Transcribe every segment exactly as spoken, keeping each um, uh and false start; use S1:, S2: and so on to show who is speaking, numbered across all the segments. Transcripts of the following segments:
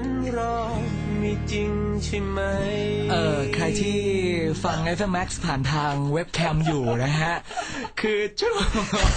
S1: รอมีจริงใช่ไหม
S2: เออใครที่ฟัง เอฟ เอ็ม Max ผ่านทางเว็บแคมอยู่นะฮะคือช่วง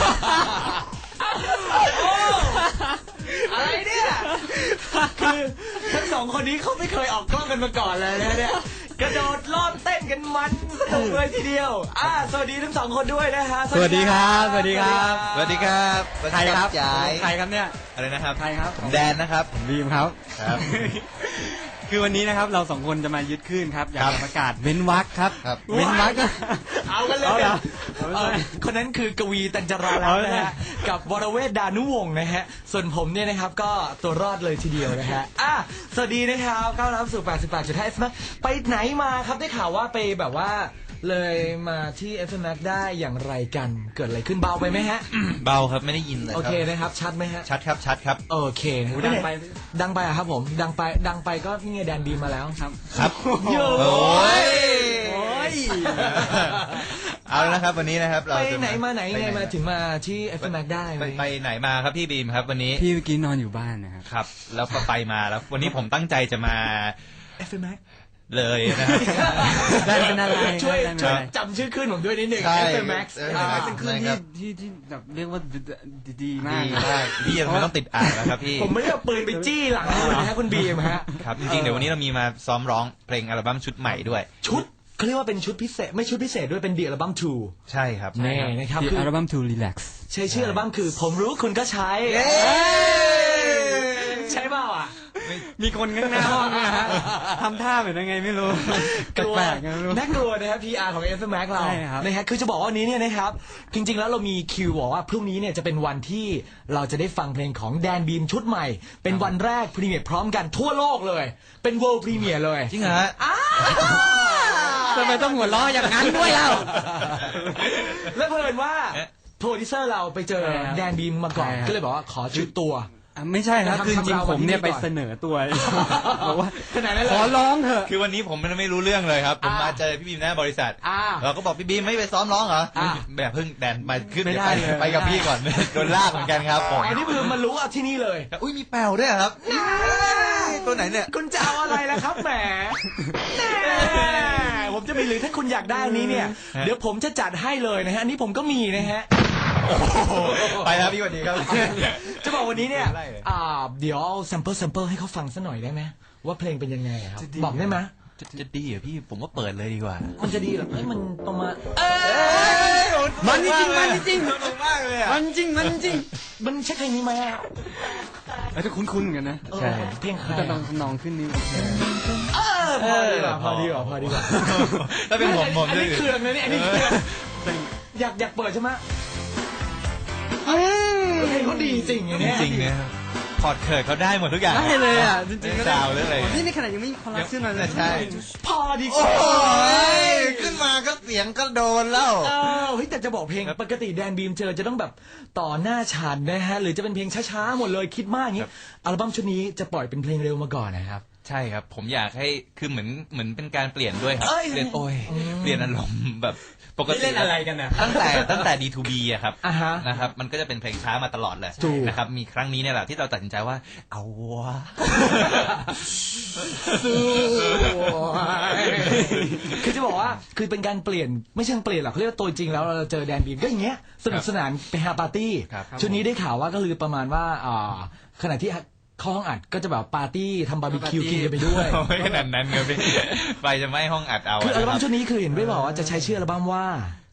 S2: อะไรเนี่ยคือทั้งสองคนนี้เขาไม่เคยออกกล้องกันมาก่อนเลยนะเนี่ยกระโดดรอบเต้นกันมันสนุกเลยทีเดียวอ่าสวัสดีทั้งสองคนด้วยนะฮะ
S3: สวัสดีครับสวัสดีครับ
S4: สวัสดีครับ
S3: ใครครับ
S4: ใคร
S3: ครับเนี่ย
S4: อะไรนะครับ
S3: ใครครับ
S4: ผมแดนนะครับ
S3: ผมบีมครับ
S4: ครับ
S3: คือวันนี้นะครับเราสองคนจะมายึดขึ้นครับอยากจะประกาศเว้นวรรคครับเว้นวรรค
S2: เอากันเลยคนนั้นคือกวีตัญจราแล้วนะฮะกับวรเวทดานุวงศ์นะฮะส่วนผมเนี่ยนะครับก็ตัวรอดเลยทีเดียวนะฮะอ่ะสวัสดีนะครับก้าวรับสู่ แปดสิบแปดจุดห้า เอฟ เอ็ม ไปไหนมาครับได้ข่าวว่าไปแบบว่าเลยมาที่ เอฟ เอ็ม ได้อย่างไรกันเกิดอะไรขึ้นเบาไปไหมฮะ
S4: เบาครับไม่ได้ยินเลย
S2: โอเคนะครับชัดไหมฮะ
S4: ชัดครับชัดครับ
S2: โอเคดังไปดังไปอะครับผมดังไปดังไปก็นี่ไงแดนบีมาแล้ว
S4: ครับครับ
S2: โอ้ยโอ้ย
S4: เอาแล้วนะครับวันนี้นะครับเรา
S2: ไปไหนมาไหนไงมาถึงมาที่ เอฟ เอ็ม ได้
S4: ไปไหนมาครับพี่บีมครับวันนี้
S3: พี่เมื่อกี้นอนอยู่บ้านนะครับ
S4: ครับแล้วก็ไปมาแล้ววันนี้ผมตั้งใจจะมา
S2: เอฟ เอ็ม
S4: เลยนะครับ
S3: ได้เป็นอะไร
S2: ช่วยจำชื่อขึ้นผมด้วยนิดหนึ่ง
S4: เอฟ
S2: เอ็ม Max
S3: เป็นขึ้นที่ที่ที่แบบเรียกว่าดีมาก
S4: พี่ยังไม่ต้องติดอ่านนะครับพี่
S2: ผมไม่ได้เอาปืนไปจี้หลังคุณนะคุณบีมฮะ
S4: ครับจริงๆเดี๋ยววันนี้เรามีมาซ้อมร้องเพลงอัลบั้มชุดใหม่ด้วย
S2: ชุดเขาเรียกว่าเป็นชุดพิเศษไม่ชุดพิเศษด้วยเป็นเดี่ยวอัลบั้มทู
S4: ใช่ครับ
S2: แน่นะครับ
S3: คืออัลบั้มทูรีแลกซ์
S2: ใช้ชื่ออัลบั้มคือผมรู้คุณก็ใช้ใช่เปล่าอ่ะ
S3: มีคนข้างหน้าห้องนะฮะทำท่าเหมือนยังไงไม่รู้
S2: แปลกๆนะน่ากลัวนะครับ พี อาร์ ของ เอฟ เอ็ม เรานะฮะคือจะบอกว่าวันนี้เนี่ยนะครับจริงๆแล้วเรามีคิวบอกว่าพรุ่งนี้เนี่ยจะเป็นวันที่เราจะได้ฟังเพลงของแดนบีมชุดใหม่เป็นวันแรกพรีเมียร์พร้อมกันทั่วโลกเลยเป็น World Premiere เลย
S4: จริงเหรอฮะ
S3: ทำไมต้องหัวเราะอย่างนั้นด้วยเล่า
S2: แล้วเพิ่นว่าโปรดิวเซอร์เราไปเจอแดนบีมมาก่อนก็เลยบอกว่าขอชุดตัว
S3: ไม่ใช่ครับคือจริงผมเนี่ยไปเสนอตัวบอกว่า
S2: ขนาดนั้น
S3: ขอร้องเถอะ
S4: คือวันนี้ผมไม่รู้เรื่องเลยครับผมมาเจอพี่บีมหน้าบริษัทเราก็บอกพี่บีมไม่ไปซ้อมร้องเหรอแบบเพิ่งแดนมาขึ้นไปไปกับพี่ก่อนโดนลากเหมือนกันครับผม
S2: อันนี้คือมารู้อ่ะที่นี่เลย
S4: อุ้ยมีแปวด้วยครับตัวไหนเนี่ย
S2: คุณจะเอาอะไรล่ะครับแหมผมจะมีหรือถ้าคุณอยากได้นี้เนี่ยเดี๋ยวผมจะจัดให้เลยนะฮะอันนี้ผมก็มีนะฮะ
S4: ไปแล้วพี่วันนี้ครับ
S2: จะบอกวันนี้เนี่ยเดี๋ยวเอาแซมเปิลแซมเปิลให้เขาฟังสักหน่อยได้ไหมว่าเพลงเป็นยังไงครับบอกได้ไหม
S4: จะดีเหรอพี่ผมว่าเปิดเลยดีกว่า
S2: มันจะดีเหรอเฮ้ยมันประมาณ
S3: มันจริงมันจริง
S4: มากเลยอ่ะ
S3: มันจริงมันจริง
S2: มันใช่เพลงนี้ไหม
S3: ไอ้ทุกคุ้นๆเหมือนกันนะ
S2: ใช่เพลงใคร
S3: แต่ลองนองขึ้นนิ้ว
S2: พอดีกว่าพอดีกว่าพอดีกว่า
S4: ถ้าเป็นผมผม
S2: อันนี้เครื่องนะเนี่ยอันนี้เครื่องอยากอยากเปิดใช่ไหมเพลงเขาดีจริงอย่างนี้
S4: จริงเนี่ยพอดเคิร์ดเขาได้หมดทุกอย่าง
S3: ได้เลยอ่ะจริงๆก็
S4: ได้เรื่องอะไร
S3: นี่ในขณะยังไม่คอรัปชันเลย
S4: ใช่
S2: พอดี
S4: ขึ้นมาก็เสียงก็โดนแล้ว
S2: เฮ้ยแต่จะบอกเพลงปกติแดนบีมเจอจะต้องแบบต่อหน้าฉันนะฮะหรือจะเป็นเพลงช้าๆหมดเลยคิดมากอย่างนี้อัลบั้มชุดนี้จะปล่อยเป็นเพลงเร็วมาก่อนนะครับ
S4: ใช่ครับผมอยากให้คือเหมือนเหมือนเป็นการเปลี่ยนด้วยครับเปลี่ยนโอ้ยเปลี่ยนอารมณ์แบบปกติ
S2: เล่นอะไรกันนะ
S4: ตั้งแต่ตั้งแต่ ดี ทู บี อะครับนะครับมันก็จะเป็นเพลงช้ามาตลอดเลยนะครับมีครั้งนี้เนี่ยแหละที่เราตัดสินใจว่าเอาวะ
S2: คือจะบอกว่าคือเป็นการเปลี่ยนไม่ใช่เปลี่ยนหรอกเขาเรียกว่าตัวจริงแล้วเราเจอแดนบีมก็อย่างเงี้ยสนุกสนานไปฮาปาร์ตี้ชุดนี้ได้ข่าวว่าก็คือประมาณว่าขณะที่เข้าห้องอัดก็จะแบบปาร์ตี้ทำบาร์บีคิวกินกันไปด้วย
S4: ไม่ขนาดนั้นครับพี่ไปจะไม่ห้องอัดเอา
S2: คืออัลบั้มชุดนี้คือเห็นไม่บอกว่าจะใช้ชื่ออัลบั้มว่า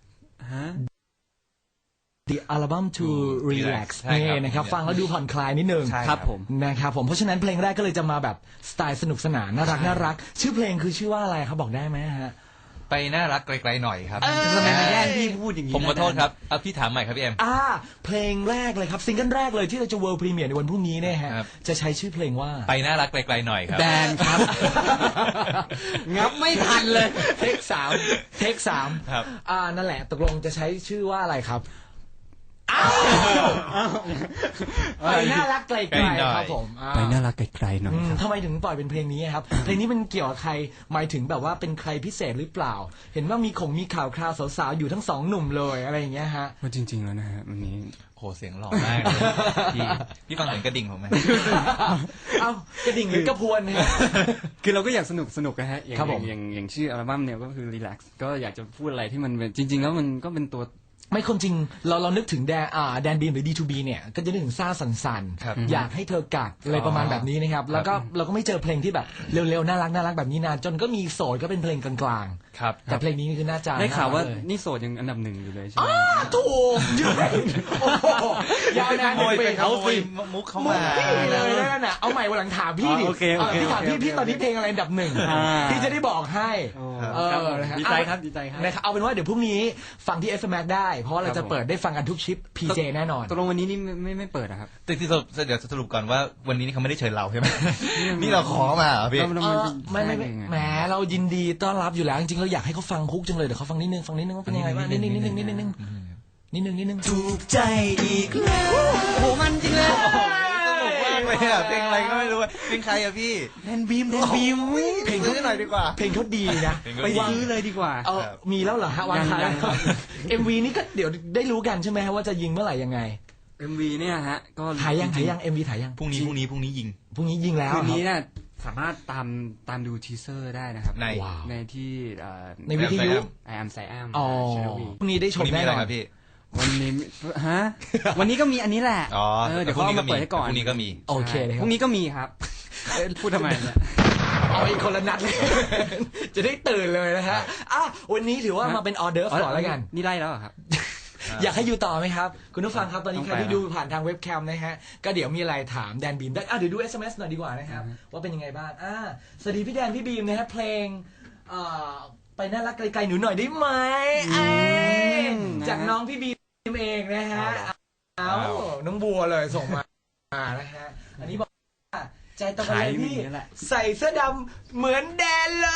S2: The Album to Relax นี่นะครับฟังแล้วดูผ่อนคลายนิดนึง
S3: ครับผม
S2: นะครับผมเพราะฉะนั้นเพลงแรกก็เลยจะมาแบบสไตล์สนุกสนานน่ารักน่ารักชื่อเพลงคือชื่อว่าอะไรครับบอกได้ไหมฮะ
S4: ไปน่ารักไกลๆหน่อยครับ
S3: ทำไมมาแย่งพี่พูดอย่างนี้
S4: ผมขอโทษครับเอาพี่ถามใหม่ครับพี่เอ็ม
S2: อ่าเพลงแรกเลยครับซิงเกิลแรกเลยที่เราจะ World Premiere ในวันพรุ่งนี้เนี่ยฮะจะใช้ชื่อเพลงว่า
S4: ไปน่ารักไกลๆหน่อยครับ
S2: แดนครับงับไม่ทันเลยเทคสามเทคสาม
S4: ครับ
S2: อ่านั่นแหละตกลงจะใช้ชื่อว่าอะไรครับไปน่ารักไกลๆครับผม
S3: ไปน่ารักไกลๆหน่อย
S2: ทำไมถึงปล่อยเป็นเพลงนี้ครับเพลงนี้มันเกี่ยวกับใครหมายถึงแบบว่าเป็นใครพิเศษหรือเปล่าเห็นว่ามีของมีข่าวคราวสาวๆอยู่ทั้งสองหนุ่มเลยอะไรอย่างเงี้ยฮะ
S3: ว่าจริงๆแล้วนะฮะวันนี้
S4: โหเสียงหล่อมากเลยพี่พี่ฟังเสียงกระดิ่งผมไหม
S2: เอ้ากระดิ่งหรือกระพวนเนี่ย
S3: คือเราก็อยากสนุกสนุกนะฮะอย่าง
S2: ครับผม
S3: อย่างอย่างชื่ออัลบั้มเนี่ยก็คือ relax ก็อยากจะพูดอะไรที่มันเป็นจริง ๆ แล้วมันก็เป็นตัว
S2: ไม่คนจริงเราเรานึกถึงแดนอ่าแดนบีมหรือ ดี ทู บี เนี่ยก็จะนึกถึงซ่าสันสัน
S4: ครับ
S2: อยากให้เธอกัดอะไรประมาณแบบนี้นะครับแล้วก็เราก็ไม่เจอเพลงที่แบบเร็วๆน่ารักน่ารักแบบนี้นานจนก็มีโสดก็เป็นเพลงกลางๆ
S4: ครับ
S2: แต่เพลงนี้คือน่าจะ
S3: ได้ข่าวว่า
S2: น่รักเลย
S3: นี่โสดยังอันดับหนึ่งอยู่เลยใช่ไหม
S2: อ้าถูกยืนโอ้โหยาวนาน
S4: ขโมย
S2: เป็
S4: เป็น
S2: น
S4: เขา
S2: เขา
S4: สิ
S2: สิ
S4: มุกเข้า
S2: มุ
S4: มาก
S2: พี่เลยนั่นน่ะเอาใหม่วันหลังถามพี่ดิ
S3: อ๋อโอเคโอเค
S2: พี่ถามพี่
S3: โอเค
S2: พี่ตอนนี้เพลงอะไรอันดับหนึ่ง
S3: อ่า
S2: พี่จะได้บอกให้
S3: โอ้
S2: เออ
S3: ครับผม
S2: นะฮะ
S3: ดีใจครับดีใจครับ
S2: นะครับเอาเป็นว่าเดี๋ยวพรุ่งนี้ฟังที่ เอฟ เอ็ม แอค ได้ เพราะว่าเรา
S3: ครั
S2: จะ
S3: บผม
S2: เปิดได้ฟังกันทุกชิป พี เจ แน่นอน
S3: ตกลงวันนี้นี่ไม่ไม่ไม่เปิดอะครับ
S4: แต่ที่สรุปเดี๋ยวสรุปก่อนว่าวันนี้นี่เขาไม่ได้เชิญเราใช่ไหม นี่เราขอมาเหรอพี่
S3: แล้วมัน
S2: เออ
S3: เป็น
S2: ไม่ไม่ไม่
S3: แค่หนึ่งอะ
S2: แหมเรายินดีต้อนรับอยู่แล้วจริงๆเราอยากให้เขาฟังคุกจังเลยเดี๋ยวเขาฟังนิดนึงฟังนิดนึงว่าเป็นยังไงบ้างนิดนึงนิดนึงนิดนึงนิดนึงนิดนึงนิดนึงถูกใจอีกแล้ว
S3: โอ้มันจริงเลย
S4: สนุกมากเลยอะเพลงอะไรก็ไม่รู้อะเพลงใครอะพี่
S2: แดนบีมแดนบีม
S4: เพลงเขาหน่อยดีกว่า
S2: เพลงเขาดีนะ
S4: เพลงเขา
S3: ไป
S4: ดี
S3: ซื้อเลยดีกว่า
S2: เออมีแล้วเหรอฮะวางขาย
S3: ยังครับ
S2: เอ็มวีนี่ก็เดี๋ยวได้รู้กันใช่ไหมฮะว่าจะยิงเมื่อไหร่ยังไง
S3: เอ็ม วี เนี่ยฮะก็
S2: ถ่ายยัง
S3: จริ
S2: ถ่าย
S3: ๆ
S2: ยังเอ็มวีถ่ายยัง
S4: พรุ่งนี้พรุ่งนี้พรุ่งนี้ยิง
S2: พรุ่งนี้ยิงแล้ว
S3: คืนนี้
S2: ครับ
S3: เนี่ยสามารถตามตามดูทีเซอร์ได้นะครับ
S4: ใน
S2: ว้าว
S3: ในที่เอ่อ
S2: ในวิทยุ
S3: ไอแอมไซแอม
S2: อ๋อ
S3: ชนวี
S2: พรุ่งนี้ได้ช
S4: พรุ่
S2: ม
S4: งนี้มี
S2: แน่
S4: อะไร
S2: นอน
S4: ครับพี่
S3: วันนี้ฮะ วันนี้ก็มีอันนี้แหละ
S4: อ๋อ
S3: เออเดี๋ยวเขาเอามาเปิดให้ก่อน
S4: พรุ่งนี้ก็มี
S2: โอเคเลยค
S3: พ
S2: รับ
S3: รุ่งนี้ก็มีครับเอ้ยพูดทำไมเนี่ย
S2: เอาอีกคนละนัดเลย จะได้ตื่นเลยนะฮะอ่ะวันนี้ถือว่ามาเป็นออเดอร์ฟก่อนแล้วกัน
S3: นี่ไล่แล้วเหรอครับ
S2: อยากให้อยู่ต่อไหมครับ คุณผู้ฟังครับ ตอนนี้
S3: ต้อง
S2: ใคร
S3: ไป
S2: ที่ดูผ่านทางเว็บแคมนะฮะ ก็เดี๋ยวมีอะไรถามแดนบีมได้อ่ะเดี๋ยวดู เอส เอ็ม เอส หน่อยดีกว่านะครับ ว่าเป็นยังไงบ้างอ่าสวัสดีพี่แดนพี่บีมนะฮะเพลงเอ่อไปน่ารักไกลๆหนูหน่อยได้ไหมเอ้ย
S3: อืม
S2: จากน้องพี่บีมเองนะฮะเอาน้องบัวเลยส่งมาอ่านะฮะอันนี้บอกว่าใจตรงกันเลยพี่
S3: ขายอย่างนี้แหละ
S2: ใส่เสื้อดำเหมือนแดนเลย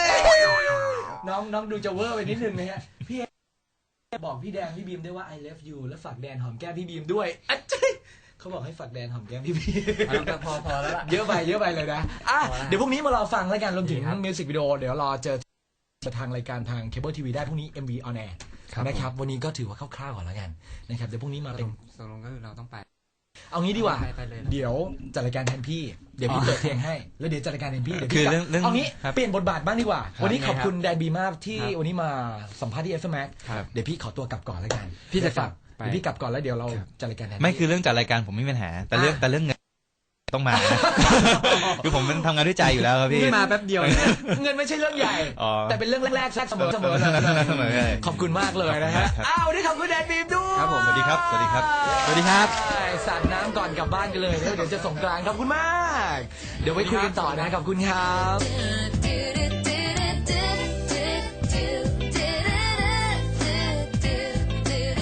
S2: น้องน้องดูจะเวอร์ไปนิดนึงนะฮะพี่บอกพี่แดนพี่บีมได้ว่า I love you แล้วฝากแดนหอมแก้มพี่บีมด้วยอ่ะเจ้ยเขาบอกให้ฝากแดนหอมแก้มพี่บีม
S3: เอาพอพอแล้วล่ะ
S2: เยอะไปเยอะไปเลยนะอ่ะ
S3: พอแล้ว
S2: เดี๋ยวพรุ่งนี้มารอฟังแล้วกันรวมถึง
S3: ครับ
S2: มิวสิกวิดีโอเดี๋ยวรอเจอทางรายการทางเคเบิลทีวีได้พรุ่งนี้ เอ็ม วี on air นะครับวันนี้ก็ถือว่าคร่าวๆก่อนแล้วกันนะครับเดี๋ยวพรุ่งนี้มาเป็น
S3: ตกลงก็คือเราต้องไป
S2: เอางี้ดีกว่า
S3: ไปไปเลยนะ
S2: เดี๋ยวจัดรายการแทนพี่ เดี๋ยวพี่
S3: อ๋อ
S2: เปิดเพลงให้ แล้วเดี๋ยวจัดรายการแทนพี่ เดี๋ยว
S4: คื
S2: พี่
S4: อเรื่องเรื่อง
S2: เอางี้
S4: ครับ
S2: เปลี่ยนบทบาทบ้างดีกว่า วันนี้ขอบคุณแดนบีมากที่
S3: ครับ
S2: วันนี้มาสัมภาษณ์ที่เอฟเอ็มแม็ก
S3: ครับ
S2: เดี๋ยวพี่ขอตัวกลับก่อนแล้วกัน
S3: พี่จะ
S2: ฝาก
S3: ไป
S2: เดี๋ยวพี่กลับก่อนแล้วเดี๋ยวเรา
S3: ครับ
S2: จัดรายการแทน
S4: ไม่
S2: พี่
S4: คือเรื่องจัดรายการผมไม่มีปัญหา แต่เรื่อง
S2: อ่ะ
S4: แต่เรื่องเงินต้องมานะ คือผมเป็นทำงานด้วยใจอยู่แล้วครับพี่
S3: นี่มาแป๊บเดียวเนี่ย
S2: เงินไม่ใช่เรื่องใหญ่
S4: อ๋อ
S2: แต่เป็นเรื่องแรกๆแทรกเสมอเสมอเลย
S4: เสมอเลย
S2: ขอบคุณมากเลยนะฮะ อ้าววันนี้ขอบคุณแดนบีมด้วย
S3: ครับผม
S4: สวัสดีครับสวัสดีครับ
S3: สวัสดีครับ
S2: สาดน้ำก่อนกลับบ้านกันเลยแล้วเดี๋ยวจะส่งกลางขอบคุณมาก เดี๋ยวไว้คุยกันต่อนะขอบคุณครับ